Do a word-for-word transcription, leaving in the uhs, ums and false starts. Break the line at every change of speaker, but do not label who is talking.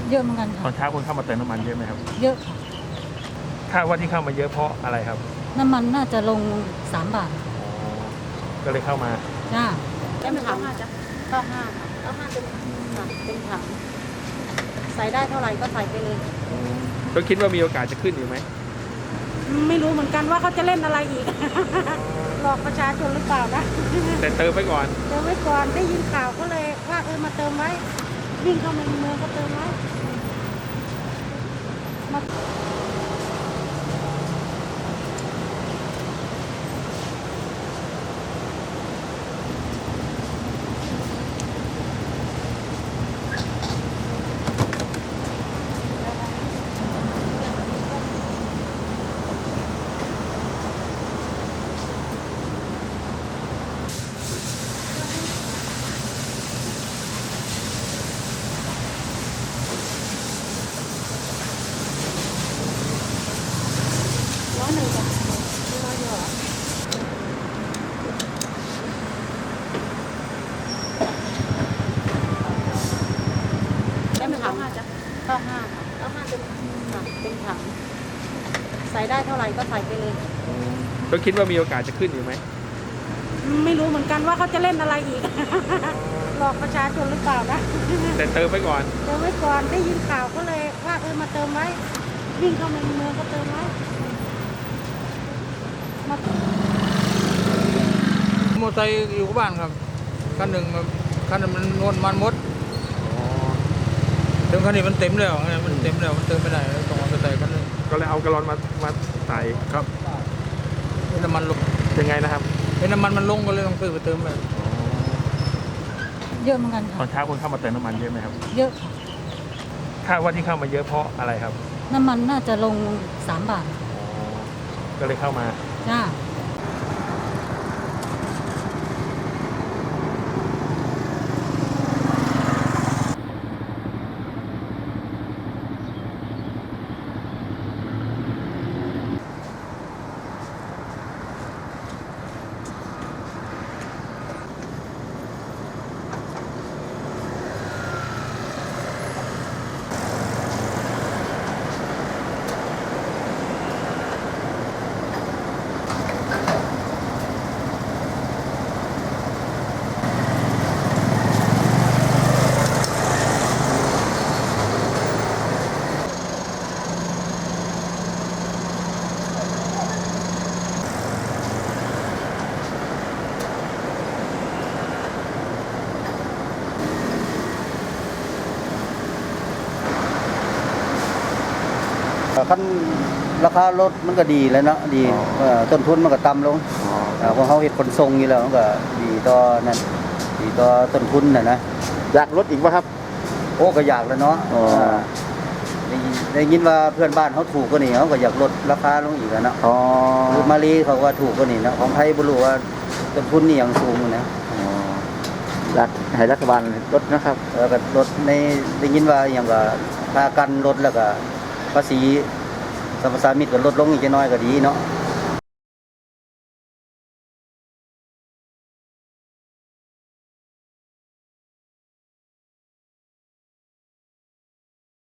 เยอะเหมือนกันค่ะ
ตอนเช้าคนเข้ามาเติมน้ำมันเยอะไหมครับ
เยอะค่ะ
คาดว่าที่เข้ามาเยอะเพราะอะไรครับ
น้ำมันน่าจะลงสามบาท
ก็เลยเข้ามา
จ้า
ได้ไหมคะจ้ะเก้าห้าค่ะเก้าห้าเป็นค่ะเป็นถังใส่ได้เท่าไหร่ก็ใส่ไปเลย
ก็คิดว่ามีโอกาสจะขึ้นอยู่ไหม
ไม่รู้เหมือนกันว่าเขาจะเล่นอะไรอีกหลอกประชาชนหรือเปล่านะ
แต่เติมไปก่อน
เติมไว้ก่อนได้ยินข่าวก็เลยว่าเออมาเติมไว้วิ่งเข้ามาในเมืองก็เติมไว้มาร้อยหนึ่งจ้ะร้อยเดียวเหรอได้ไหมคะจ้ะเก้าห้าค่ะเก้าห้าเป็นค่ะเป็นถังใส่ได้เท่าไหร่ก็ใส่ไปเลย
ก็คิดว่ามีโอกาสจะขึ้นอยู่ไหม
ไม่รู้เหมือนกันว่าเขาจะเล่นอะไรอีกหลอกประชาชนหรือเปล่านะ
แต่เติมไปก่อน
เติมไว้ก่อนได้ยินข่าวก็เลยว่าเออมาเติมไว้วิ่งเข้ามาในเมืองก็เติมไว้
มอเตอร์ไซค์อยู่บ้านครับคันหนึ่งคันนึงมันนวลมันมดเติมคันนี้มันเต็มแล้วไงมันเต็มแล้วมันเติมไม่ได้ต้องมอเตอร์ไซค์คันนึง
ก็เลยเอากระลอนมามาใส่
ครับเป็นน้ำมันลง
ยังไงนะครับ
เป็นน้ำมันมันลงก็เลยต้องซื้อไปเติมไป
เยอะเหมือนกันค่ะ
ตอนเช้าคนเข้ามาเติมน้ำมันเยอะไหมครับ
เยอะค่ะ
คาดว่าที่เข้ามาเยอะเพราะอะไรครับ
น้ำมันน่าจะลงสามบาท
ก็เลยเข้ามา
จ้า
ขั้นราคารถมันก็ดีแล้วเนาะดีต้นทุนมันก็ต่ำลงเพราะเขาเห็นขนส่งอยู่แล้วมันก็ดีต่อนั่นดีต่อต้นทุนน่ะนะ
อยากลดอีกป่ะครับ
โอ้ก็อยากแล้วเนาะได้ยินว่าเพื่อนบ้านเขาถูกกว่านี้เขาก็อยากลดราคาลงอีกแล้วเนาะคือมาลีเขาว่าถูกกว่านี้นะของไทยบุรุษว่าต้นทุนนี่ยังสูงนะ
อยากให้รัฐบาลลดนะครับ
เออก็ลดในได้ยินว่าอย่างว่าค่ากันลดแล้วก็ภาษีสรรพสามิตก็ลดลงอีกน้อยก็ดีเนาะ